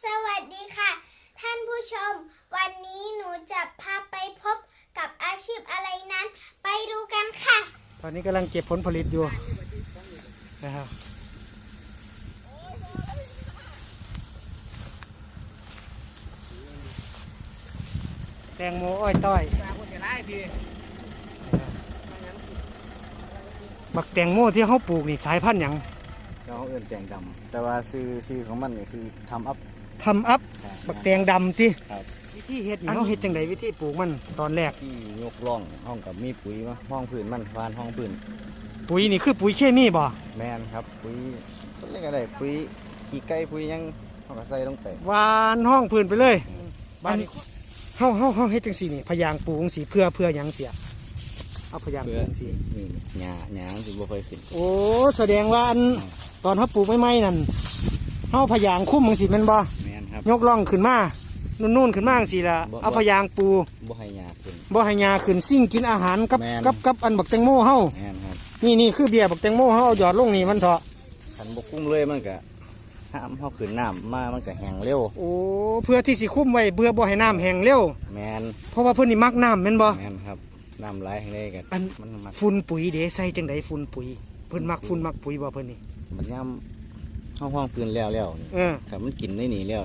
สวัสดีค่ะท่านผู้ชมวันนี้หนูจะพาไปพบกับอาชีพอะไรนั้นไปดูกันค่ะตอนนี้กำลังเก็บผลผลิตอยู่นะครับแตงโมอ้อยต้อยบักแตงโมที่เขาปลูกนี่สายพันธุ์หยังเราเอื้นแตงดำแต่ว่าซื้อของมันก็คือทำอัพบักแตงดำที่ครับวิธีเฮ็ดนี่เขาเฮ็ดจังไดวิธีปลูกมันตอนแรกที่ยกร่องห้องกับมีปุ๋ยมาห้องพื้นมันฟานห้องพื้นปุ๋ยนี่คือปุ๋ยเคมีบ่แมนครับปุ๋ยต้นเล็กอะไรปุ๋ยขี้ไก่ปุ๋ยยังห้องกระใส่ลงไปหวานห้องพื้นไปเลยบ้านนี้เฮาเฮ็ดจังซี่นี่พยางปลูกจังซี่เพื่อหยังเสียเอาพยางปลูกจังซี่นี่หญ้าสิบ่ค่อยขึ้นโอ้แสดงว่าอันตอนเฮาปลูกใหม่ๆนั่นเฮาพยางคุ้มจังซี่แม่นบ่แม่นครับยกร่องขึ้นมานู่นขึ้นมาจังซี่ล่ะเอาพยางปูบ่ให้หญ้าขึ้นบ่ให้หญ้าขึ้นซิ่งกินอาหารกับอันบักแตงโมเฮาแม่นครับนี่คือเบี้ยบักแตงโมเฮาเอาหยอดลงนี่มันเถาะคันบ่คุ้มเลยมันก็ห้ามเฮาขึ้นน้ำมามันก็แห้งเร็วโอ้เพื่อที่สิคุ้มไว้เพื่อบ่ให้น้ำแห้งเร็วแม่นเพราะว่าเพิ่นนี่มักน้ำแม่นบ่แม่นครับน้ำไหลแห้งเลยก็มันฝุ่นปุ๋ยเด้ใส่จังได๋ฝุ่นปุ๋ยเพิ่นมักฝุ่นมักปุ๋ยบ่เพิ่นนี่มันยามห้องพื้นแล้วครับมันกินได้หนีแล้ว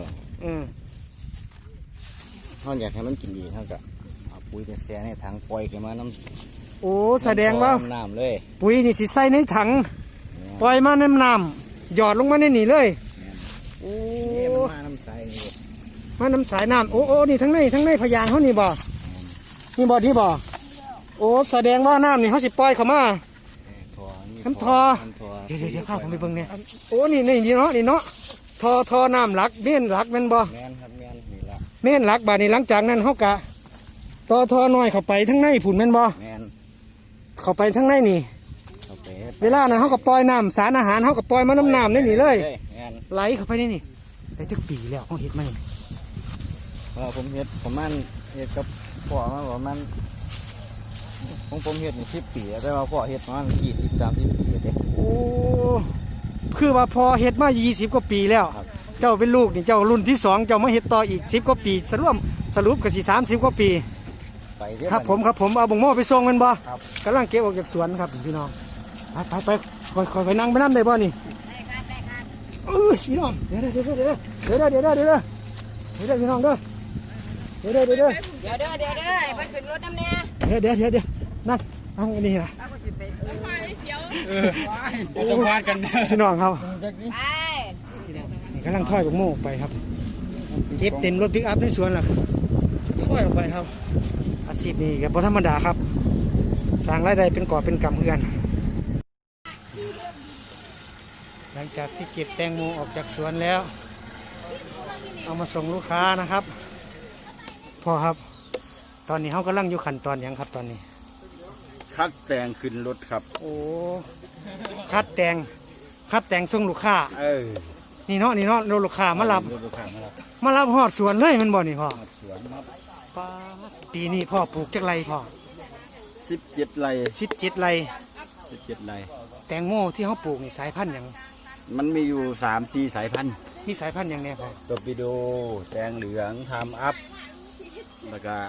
เขาอยากให้มันกินดีเขาก็เอาปุ๋ยไปแช่ในถังปล่อยกันมาน้ำโอ้แสดงว่าน้ำเลยปุ๋ยนี่สิใส่ในถังปล่อยมาในน้ำหยอดลงมาในนี่เลยโอ้มาน้ำใสมาน้ำสายน้ำโอ้นี่ทั้งในพยางเขานี่บ่นี่บ่โอ้แสดงว่าน้ำนี่เขาสิปล่อยเข้ามาน้ำทอเดี๋ยวข้าผมไปเบิ่งเนี่ยโอ้นี่เนาะทอน้ำหลักเม่นหลักแม่นบ่แม่นครับแม่นนี่ละเม่นหลักบาดนี้หลังจากนั้นเขากะทอน้อยเข้าไปทั้งในผุนแม่นบ่แม่นเข้าไปทั้งในนี่เวลานั้นเขาก็ปล่อยน้ำสารอาหารเขาก็ปล่อยมาน้ำนี่เลยไหลเข้าไปนี่ได้จักปีแล้วเขาเห็ดไหมผมเห็ดประมาณเห็ดกับพ่อมาประมาณผมเห็ดนี่10 ปีแต่ว่าพ่อเห็ดประมาณ20-30 ปีเด็กโอ้คือว่าพอเห็ดมา20 กว่าปีแล้วเจ้าเป็นลูกนี่เจ้ารุ่นที่2เจ้ามาเห็ดต่ออีก10 กว่าปีสรุปก็สิ30 กว่าปีครับผมเอาบ่งโม่ไปส่งมันบ่กำลังเก็บออกจากสวนครับพี่น้องไปคอยไปนั่งไปน้ำได้บ่นี่พี่น้องเดี๋ยวพี่น้องเด้อเดี๋ยวไปขึ้นรถน้ำเนี่ยเดี๋ยวนั่งอันนี้ล่ะสัมภาษณ์กันพี่น้องครับนี่กำลังถอยบักโม่ไปครับเก็บเต็มรถปิกอัพในสวนล่ะถอยออกไปครับอาชีพนี้ก็บ่ธรรมดาครับสร้างรายได้เป็นกอบเป็นกำเพื่อนหลังจากที่เก็บแตงโมออกจากสวนแล้วเอามาส่งลูกค้านะครับพ่อครับตอนนี้เขากำลังอยู่ขั้นตอนอย่างครับตอนนี้คัดแตงขึ้นรถครับโอ้คัดแตงส่งลูกค้านี่เนาะลูกค้ามารับหอดสวนเลยมันบ่นี่พ่อสวนครับปีนี้พ่อปลูกจักไรพ่อ 17 ไร่ 17 ไร่แตงโมที่เขาปลูกนี่สายพันธุ์อย่างมันมีอยู่3-4 สายพันธุ์มีสายพันธุ์อย่างแน่พ่อตอร์ปิโดแตงเหลืองทำอัพแล้วก็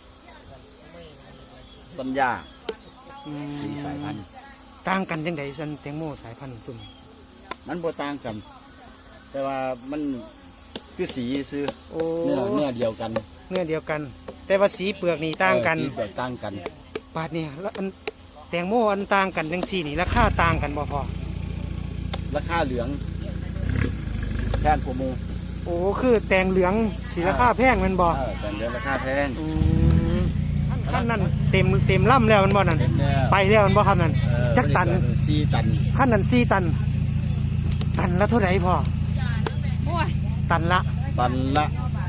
ต้นหญ้า4 สายพันธุ์ต่างกันจังไดซันแตงโมสายพันธุ์ซุ่มมันบ่ต่างกันแต่ว่ามันคือสีซื้อเนื้อเดียวกันแต่ว่าสีเปลือกนี่ต่างกันสีเปลือกต่างกันบาดนี่แล้วแตงโมอันต่างกันจังซี่นี่ราคาต่างกันบ่พอราคาเหลืองแพงกว่าหมู่โอ้คือแตงเหลืองสีราคาแพงแม่นบ่แตงเหลืองราคาแพงขั้นนั้นเต็มล่ำแล้วมันบ่นั่นไปแล้วมันบ่ครับนั่นจักตัน 4 ตันขั้นนั้น4 ตันละเท่าไหร่พ่อตันละ 9,000ตันละ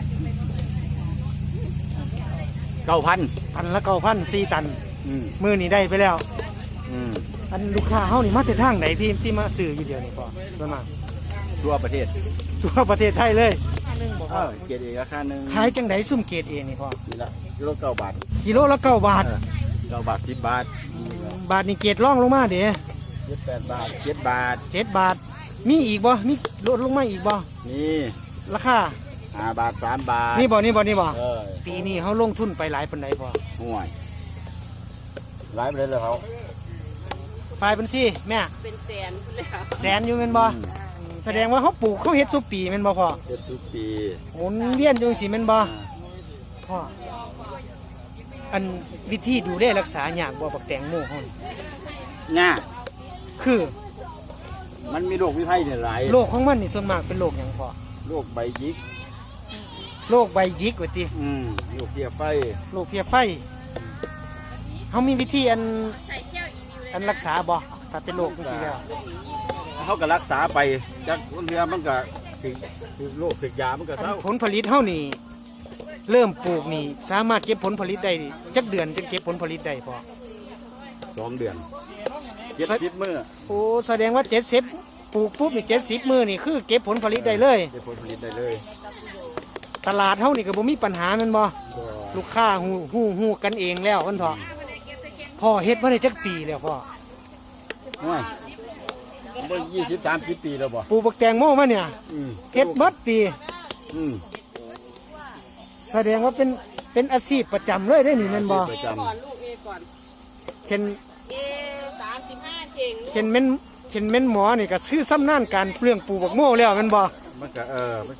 4 ตันมือนี่ได้ไปแล้วอันลูกค้าเฮานี่มาแต่ทางไหนที่มาซื้ออยู่เดียวนี่พ่อส่วนมากทั่วประเทศไทยเลยเกรด A ราคานึงขายจังไดซุ่มเกรด A นี่พ่อนี่ละกิโล9 บาทกิโลละ9 บาท 9 บาท10 บาทบาทนี่เกรดร่องลงมาเด้ 8 บาท7 บาทมีอีกบ่มีลดลงมาอีกบ่มีราคา 5 บาท 3 บาทนี่บ่เออปีนี้เขาลงทุนไปหลายปานใดพ่อห่วยหลายประเด็นเลยเขาฝ่ายบัญชีแม่เป็นแสนเลยค่ะแสนอยู่แม่นบ่แสดงว่าเขาปลูกเขาเฮ็ดซุปีแม่นบ่พ่อ 70 ปีหมุนเวียนจังซี่แม่นบ่พ่ออันวิธีดูแลรักษายากบ่บักแตงโมเฮานี่ง่าคือมันมีโรควิไข้เนี่ยหลายโรคของมันนี่ส่วนมากเป็นโรคหยังพ่อโรคใบหยิกโรคใบหยิกว่าติโรคเพี้ยไฟโรคเพลียไฟเขามีวิธีอันรักษาบ่ถ้าเป็นโรคจังซี่แล้วเขาก็รักษาไปจากเรือมันก็ถึงโรคถึงยามันก็เศร้าผลผลิตเฮานี่เริ่มปลูกนี่สามารถเก็บผลผลิตได้จักเดือนจึงเก็บผลผลิตได้พ่อ 2 เดือน70 มื้อโอ้แสดงว่า70ปลูกปุ๊บนี่70มื้อนี่คือเก็บผลผลิตได้เลยได้ผลผลิตได้เลยตลาดเฮานี่ก็บ่มีปัญหาแม่นบ่ก็ลูกค้าฮู้กันเองแล้วมันเถาะพ่อเฮ็ดมาได้จักปีแล้วพ่อห่วยบ่20-30 ปีแล้วบ่ปลูกบักแตงโมมาเนี่ยอืมเฮ็ดเบิดปีอืมแสดงว่าเป็นอาชีพประจำเลยได้นี่แม่นบ่ประจำก่อนลูกเอก่อนเข็นเอ35เข่งเข็นแม่นหมอนี่ก็ชื่อซ้ำนานการเรื่องปลูกบักโมแล้วแม่นบ่มันก็มัน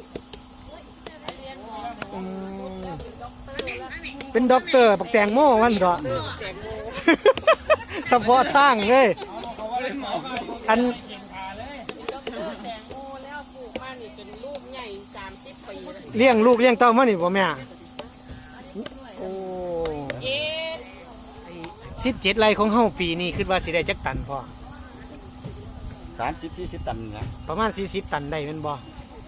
อืมเป็นด็อกเตอร์บักแตงโมมันเถาะ เฉพาะทางเลยอันแตงโมแล้วปลูกมานี่เป็นลูกใหญ่30ปีแล้วเลี้ยงลูกเลี้ยงเต้ามานี่บ่แม่โอ้เอ 17 ไร่ของเฮาปีนี้คิดว่าสิได้จักตันพ่อ 30-40 ตันนะประมาณ40 ตันได้แม่นบ่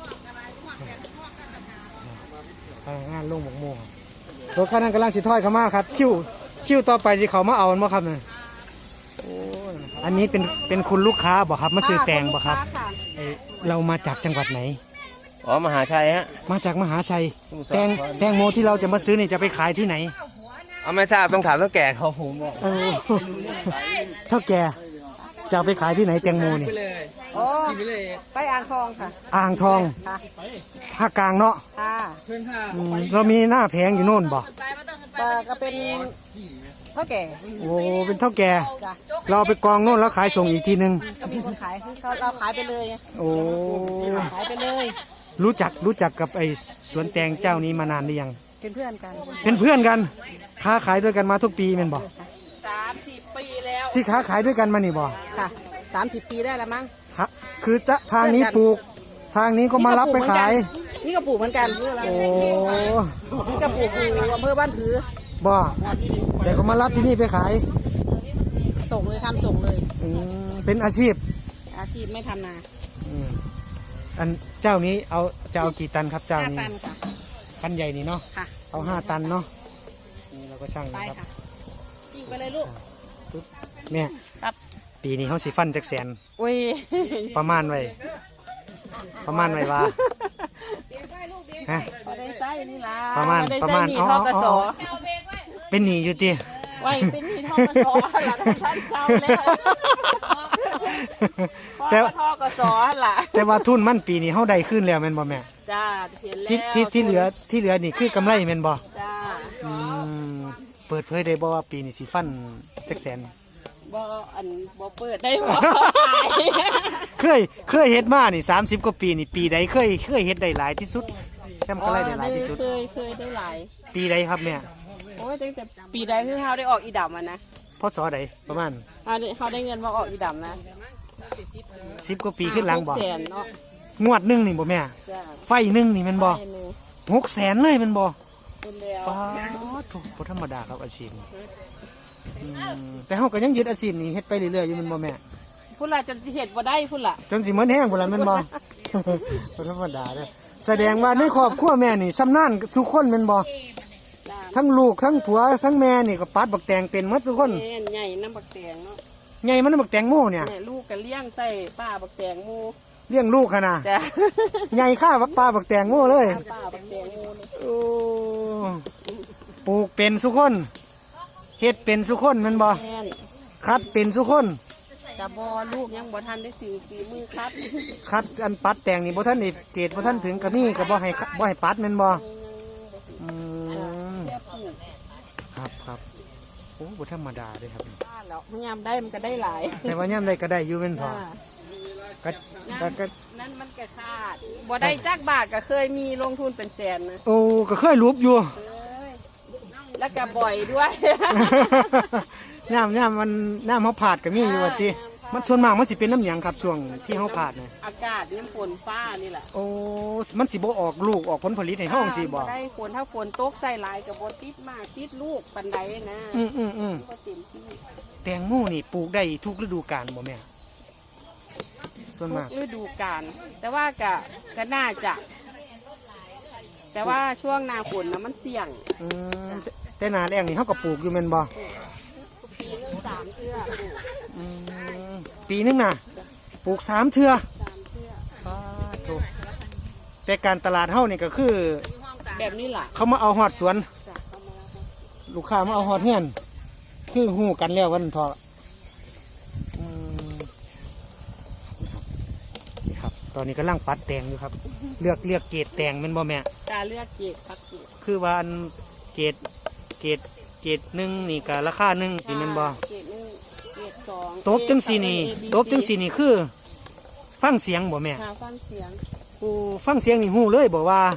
งานลงหมกโมงรถคันนั้นกำลังสิถอยเข้ามาครับคิวต่อไปสิเขามาเอาบ่ครับเนี่ยโอ้ยอันนี้เป็นคุณลูกค้าบ่ครับมาซื้อแตงบ่ครับเอ้ยเรามาจากจังหวัดไหนอ๋อมหาชัยฮะมาจากมหาชัยแตงโมที่เราจะมาซื้อนี่จะไปขายที่ไหนเอาไม่ทราบต้องถามเท่าแก่เขาผมบอกเออเท่าแกจะเอาไปขายที่ไหนแตงโมนี่โอ้ไปอ่างทองค่ะอ่างทองภาคกลางเนาะค่ะอืมเรามีหน้าแผงอยู่โน่นบ่ก็เป็นเท่าแก่โอ้เป็นเท่าแกจ้ะเราเอาไปกองโน่นแล้วขายส่งอีกทีนึงก็มีคนขายคือเขาเราขายไปเลยไงโอ้ขายไปเลยรู้จักกับไอ้สวนแตงเจ้านี้มานานหรือยังเป็นเพื่อนกันเป็นเพื่อนกันค้าขายด้วยกันมาทุกปีแม่นบ่ 30 ปีแล้วที่ค้าขายด้วยกันมานี่บ่ค่ะ30 ปีได้แล้วมั้งคะคือจะทางนี้ปลูก ทางนี้ก็มารับไปขายนี่ก็ปลูกเหมือนกันโอ้นี่ก็ปลูกอยู่อำเภอบ้านผือบ่แต่ก็มารับที่นี่ไปขายส่งเลยทำส่งเลยอืมเป็นอาชีพอาชีพไม่ทำนาอืมอันเจ้านี้จะเอากี่ตันครับเจ้า 5 นี้ตันค่ะคันใหญ่นี่เนาะค่ะเอา5 ตันเนาะนี่เราก็ช่างไปนะครับค่ะปิ้งไปเลยลูกเนี่ยครับปีนี้เขาสิฟันจักแสนอุ้ยประมาณไว้ว่าฮะพอได้ไส้นี่ล่ะประมาณได้ประไส้มาณหนีอ๋อทอกสอ๋อ เป็นหนีอยู่ติไว้เป็นหนีทอกสหลังท่านเจ้าแล้วพ่อแต่ก็ทอกสล่ะแต่ว่าทุนมันปีนี้เฮาได้ขึ้นแล้วแม่นบ่แม่จ้าเห็นแล้วที่เหลือนี่คือกำไรแม่นบ่จ้าอืมเปิดเผยได้บ่ว่าปีนี้สิฟันจักแสนบ่อันบ่เปิดได้บ่ขายเคยเฮ็ดมานี่30กว่าปีนี่ปีใดเคยเฮ็ดได้หลายที่สุดทำกำไรได้หลายที่สุดเคยได้หลายปีใดครับแม่โอ้ยตั้งแต่ปีใดคือเฮาได้ออกอีดำอ่ะนะพศใดประมาณเฮาได้เงินมาออกอีดำนะ 10กว่าปีขึ้นหลังบ่ 600,000เนาะงวดหนึงนี่บ่แม่จ้าไฟหนึงนี่แม่นบ่ไปหนึ่ง 600,000เลยแม่นบ่เป็นแล้วป๊าดโถบ่ธรรมดาครับอาชีพนี้อืมแต่เฮาก็ยังยึดอาชีพนี้เฮ็ดไปเรื่อยๆอยู่แม่นบ่แม่พุ่นล่ะจนสิเฮ็ดบ่ได้พุ่นล่ะจนสิเหมือนแห้งพุ่นล่ะแม่นบ่ บ่ธรรมดาเด้อแสดงว่าในครอบครัวแม่นี่ชำนาญทุกคนแม่นบ่จ้าทั้งลูกทั้งผัวทั้งแม่นี่ก็ปัดบักแตงเป็นหมดทุกคนแม่นใหญ่น้ำบักแตงเนาะไงมันบักแตงโมเนี่ยแม่ลูกก็เลี้ยงใส่ป้าบักแตงหมูเลี้ยงลูกขนาดจ้าใหญ่ข้าบักปลาบักแตงโมเลยป้าบักแตงหมูนี่โอ้ปลูกเป็นสุคนเฮ็ดเป็นสุคนแมันบ่แม่นคัดเป็นสุคนแกะบอลูกยังบ่ทันได้ถึงฝีมือครับคัดอันปัดแต่งนี่บ่ท่านนี่เกรดบ่ท่านถึงก็มีก็บ่ให้ปัดแม่นบ่อืมแค่ปลูกครับโอ้บ่ธรรมดาเด้ครับบ้านแล้วพยายามได้มันก็ได้หลายแต่ว่ายามใดก็ได้อยู่แม่นพอจ้าก็นั่นมันก็ขาดบ่ได้จักบาทก็เคยมีลงทุนเป็นแสนนะโอ้ก็เคยรูปอยู่เอ้ยแล้วก็บ่อยด้วยย่ามมันน้ำเฮาผาดก็มีอยู่ว่าติมันส่วนมากมันสิเป็นน้ำหยังครับช่วงที่เฮาผาดเนี่ยอากาศน้ำฝนฟ้านี่แหละโอ้มันสิบ่ออกลูกออกผลผลิตให้เฮาจังซี่บ่ได้ฝนถ้าฝนตกใส่หลายกับบติดมากติดลูกปันใดนะอืมก็เต็มที่แตงโมนี่ปลูกได้ทุกฤดูกาลบ่แม่ส่วนทุมากกฤดูกาลแต่ว่าก็น่าจะ แต่ว่าช่วงหน้าฝนนะมันเสี่ยงอืมแต่หน้าแล้งนี่เฮาก็ปลูกอยู่แม่นบ่ปีนึง3เทื่ออืมปีนึงน่ะปลูก3เทื่อ 3เทื่อโธ่แต่การตลาดเฮานี่ก็คือแบบนี้ล่ะเขามาเอาฮอดสวนจ้ะเข้ามาแล้วค่ะลูกค้ามาเอาฮอดเฮือนคือฮู้กันแล้ววันเถาะอืมนี่ครับ ตอนนี้กำลังปัดแตงอยู่ครับ เลือกเกรดแตงแม่นบ่แม่การเลือกเกรดพักเกรดคือว่าอันเกรดหนึ่งนี่ก็ราคาหนึ่งสิแม่นบ่เกรด1เกรด2 ตบจังสีนี่ตบจังสีนี่คือ ฟังเสียงบ่แม่ค่ะฟังเสียงโอ้ฟังเสียงนี่ฮู้เลยบ่ว่า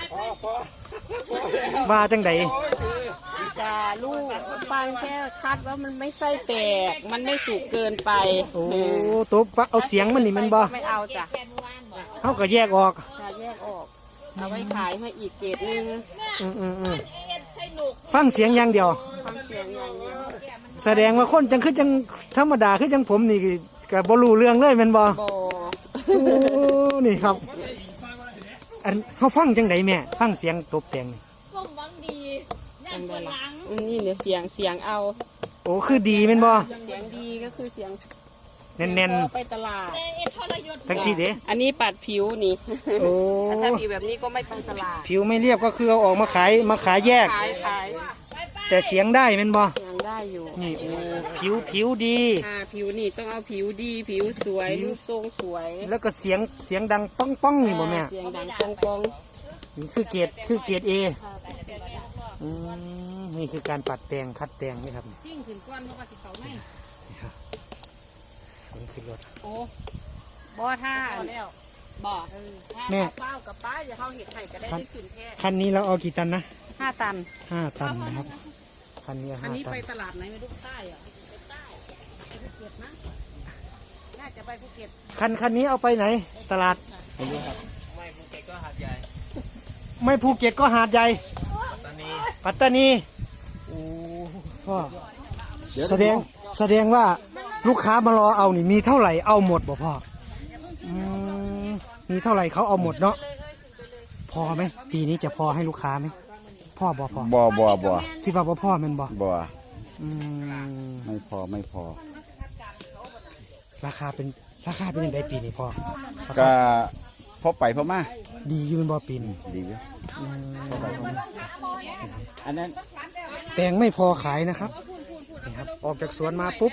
ว่าจังใดจะลูกฟังแค่คัดว่ามันไม่ไส้แตกมันไม่สุกเกินไปโอ้ตบว่าเอาเสียงมันนี่แมันบ่ไม่เอาจ้ะเฮาก็แยกออกจะแยกออกเอาไว้ขายให้อีกเกรดนึงอืมฟังเสียงอย่างเดียวฟังเสียงอย่างเดียวแสดงว่าคนจังคือจังธรรมดาคือจังผมนี่ก็บ่รู้เรื่องเลยแม่นบ่บอโอ้นี่ครับ อันเฮาฟังจังไดแม่ฟังเสียงตบแต่งนี่เป็นไงล่ะนี่เนี่ยเสียงเอาโอ้คือดีแม่นบ่เสียงดีก็คือเสียงแน่นพอไปตลาดๆจังซี่เด้อันนี้ปัดผิวนี่โอ้ถ้าผิวแบบนี้ก็ไม่ไปตลาดผิวไม่เรียบก็คือเอาออกมาขายแยกขายแต่เสียงได้แม่นบ่เสียงได้อยู่นี่โอ้ผิวดีผิวนี่ต้องเอาผิวดีผิวสวยรูปทรงสวยแล้วก็เสียงดังป้องนี่บ่แม่เสียงดังปองนี่คือเกรด A นี่คือการปัดแต่งคัดแต่งนี่ครับๆซิ่งขึ้นก้อนเพราะว่าสิเขาไม่นี่คือรถโอ้บ่ท่าแล้วบ่ถ้าแม่เป้ากับป้าจะเข้าเห็ดไห่ก็ได้ได้ขึ้นแค่คันนี้เราเอากี่ตันนะ 5 ตัน 5 ตันนะครับคันนี้อันนี้ 5 ตัไปนตลาดไหนไม่รู้ใต้อะไปใต้ไปภูเก็ตนะน่าจะไปภูเก็ตคันนี้เอาไปไหน ตลาดไม่ภูเก็ตก็หาดใหญ่ปัตตานีโอ้พ่อแสดงว่าลูกค้ามารอเอานี่มีเท่าไหร่เอาหมดบ่พ่อมีเท่าไหร่เขาเอาหมดเนาะพอไหมปีนี้จะพอให้ลูกค้าไหมพ่อบ่พอบ่คิดว่าบ่พ่อแมันบ่บ่อืมไม่พอราคาเป็นยังไงปีนี้พ่อก็พอไปพอมาดีอยู่แมันบ่ปีนี้ดีอยู่พอไปพอมาอันนั้นแตงไม่พอขายนะครับนี่ครับออกจากสวนมาปุ๊บ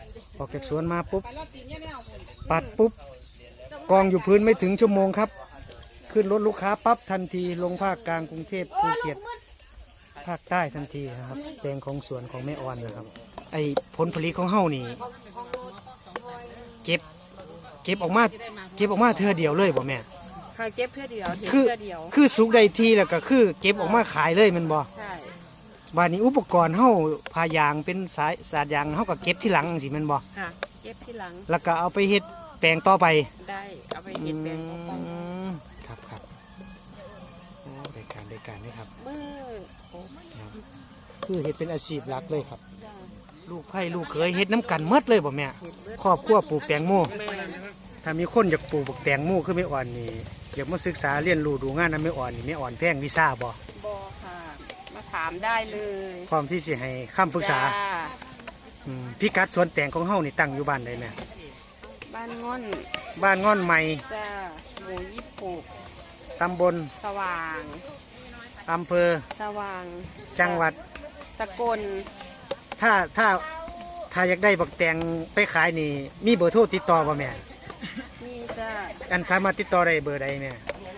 ปัดปุ๊บกองอยู่พื้นไม่ถึงชั่วโมงครับ ขึ้นรถลูกค้าปั๊บทันทีลงภาคกลางกรุงเทพภูเก็ตภาคใต้ทันทีนะครับแตงของสวนของแม่ออนนะครับ ไอผลผลิตของเฮานี่เก็บออกมาเทื่อเดียวเลยบ่แม่ค่ะเก็บเพื่อเดียวเห็นคือเพื่อเดียวคือสุกได้ทีแล้วก็คือเก็บออกมาขายเลยแมันบ่ใช่บ้านนี้อุปกรณ์เฮาพายางเป็นสายยางเฮาก็เก็บที่หลังสิแม่นบ่ค่ะเก็บที่หลังแล้วก็เอาไปเฮ็ดแปลงต่อไปได้เอาไปเห็ดแปลงต่อไปครับโอ้ได้การได้ครับมือโอ้คือเฮ็ดเป็นอาชีพหลักเลยครับได้ลูกไผ่ลูกเขยเฮ็ดน้ำกันหมดเลยบ่แม่เห็ดเบิดครอบครัวปลูกแตงโมแม่ถ้ามีคนอยากปลูกบักแตงโมคือแม่อ่อนนี่อยากมาศึกษาเรียนรู้ดูงานนำแม่อ่อนนี่แม่อ่อนแพงวีซ่าบ่บอค่ะมาถามได้เลยพร้อมที่สิให้คำปรึกษาจ้พิกัดสวนแตงของเฮานี่ตั้งอยู่บ้านใดแม่บ้านง่อนบ้านง่อนใหม่จ้าหมู่26 ตำบลสว่างอำเภอสว่างจังหวัดสกลถ้าถ้าอยากได้บักแตงไปขายนี่มีเบอร์โทรติดต่อบ่แม่นี่จ้ะอันสามารถติดต่อได้เบอร์ใดแม่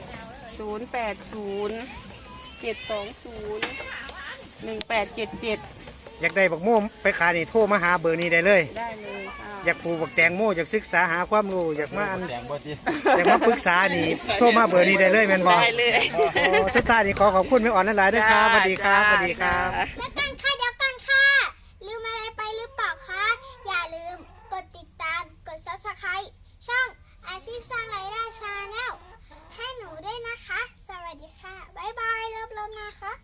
080 720 1877 อยากได้บักโม่ไปขายนี่โทรมาหาเบอร์นี้ได้เลยได้เลยค่ะอยากปลูกบักแตงโมอยากศึกษาหาความรู้อยากมาอันแดงบ่ติอยากมาปรึกษานี่โทรมาเบอร์นี้ได้เลยแม่นบ่ได้เลยโอ้สุดท้ายนี่ขอขอบคุณแม่อ่อนหลายๆด้วยครับสวัสดีครับสวัสดีครับแล้วกันค่ะเดี๋ยวกันค่ะ ลืมอะไรไปหรือเปล่าคะ อย่าลืมกดติดตามกด Subscribe ช่องอาชีพสร้างรายได้ชาแนลให้หนูด้วยนะคะ สวัสดีค่ะ บ๊ายบายเลิฟๆนะคะ